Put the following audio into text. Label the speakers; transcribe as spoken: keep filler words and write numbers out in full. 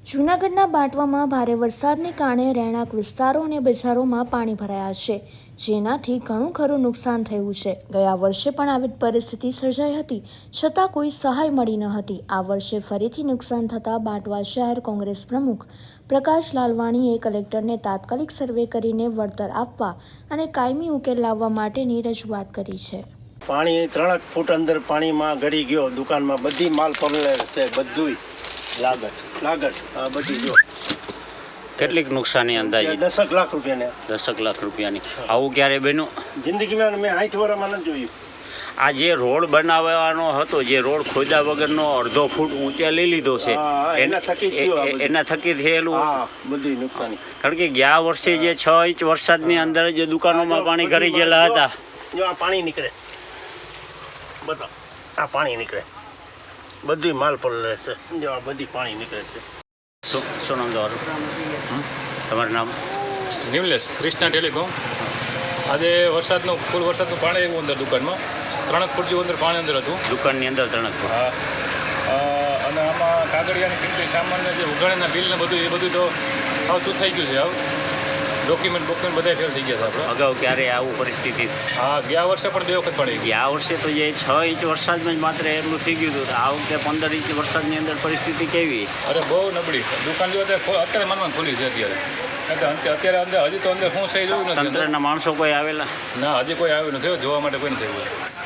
Speaker 1: જૂનાગઢના બાંટવામાં ભારે વરસાદને કારણે રહેણાંક વિસ્તારો અને બજારોમાં પાણી ભરાયા છે, જેનાથી ઘણું ખરું નુકસાન થયું છે. ગયા વર્ષે પણ આવી પરિસ્થિતિ સર્જાઈ હતી, છતાં કોઈ સહાય મળી ન હતી. આ વર્ષે ફરીથી નુકસાન થતાં બાંટવા શહેર કોંગ્રેસ પ્રમુખ પ્રકાશ લાલવાણીએ કલેક્ટરને તાત્કાલિક સર્વે કરીને વળતર આપવા અને કાયમી ઉકેલ લાવવા માટેની રજૂઆત કરી છે.
Speaker 2: પાણી ત્રણક ફૂટ અંદર પાણીમાં ગળી ગયો. દુકાનમાં બધી માલ પડેલ છે, બધું લાગત લાગત આ બધી જો
Speaker 3: કેટલીક નુકસાની અંદાજે
Speaker 2: દસક લાખ રૂપિયાને
Speaker 3: દસક લાખ રૂપિયાની. આવું ક્યારે બન્યું?
Speaker 2: જિંદગીમાં મેં સાઠ વર્ષમાં નથી જોયું.
Speaker 3: આ જે રોડ બનાવવાનો હતો, જે રોડ ખોદા વગરનો અડધો ફૂટ ઊંચે લઈ લીધો છે,
Speaker 2: એના થકી જ થયું આ બધું.
Speaker 3: એના થકી થયેલું.
Speaker 2: હા, બધી નુકસાની.
Speaker 3: કારણ કે ગયા વર્ષે જે છ ઇંચ વરસાદની અંદર જે દુકાનોમાં પાણી કરી ગયેલા હતા,
Speaker 2: જો આ પાણી નીકળે, બતાવો આ પાણી નીકળે, બધી માલ પડેલ છે. જો આ બધી પાણી નીકળે છે.
Speaker 3: શું શું નામ તમારું? તમારું નામ?
Speaker 4: નિમલેશ, ક્રિષ્ના ટેલિકોમ. આજે વરસાદનું ફૂલ વરસાદનું પાણી આવ્યું અંદર દુકાનમાં. ત્રણક ફૂટ જેવું અંદર પાણી અંદર હતું
Speaker 3: દુકાનની અંદર ત્રણક ફૂટ.
Speaker 4: હા, અને આમાં કાગળિયાની કિંમતી સામાન્ય જે ઉઘાણીના બિલ ને બધું એ બધું તો હાવ શું થઈ ગયું છે. હાવ ડોક્યુમેન્ટ ડોક્યુમેન્ટ બધા ફેલ થઈ ગયા છે આપણે.
Speaker 3: અગાઉ ક્યારે આવું પરિસ્થિતિ?
Speaker 4: હા, ગયા વર્ષે પણ બે વખત પડી ગઈ.
Speaker 3: ગયા વર્ષે તો જે છ ઇંચ વરસાદમાં જ માત્ર એટલું થઈ ગયું હતું. આ વખતે પંદર ઇંચ વરસાદની અંદર પરિસ્થિતિ કેવી?
Speaker 4: અરે બહુ નબળી. દુકાન જો અત્યારે અત્યારે માનવાનું ખુલી છે અત્યારે. અત્યારે અંદર હજી તો અંદર શું થઈ જોયું નથી.
Speaker 3: તંત્રના માણસો કોઈ આવેલા?
Speaker 4: ના, હજી કોઈ આવ્યું નથી. જોવા માટે કોઈ નથી આવ્યું.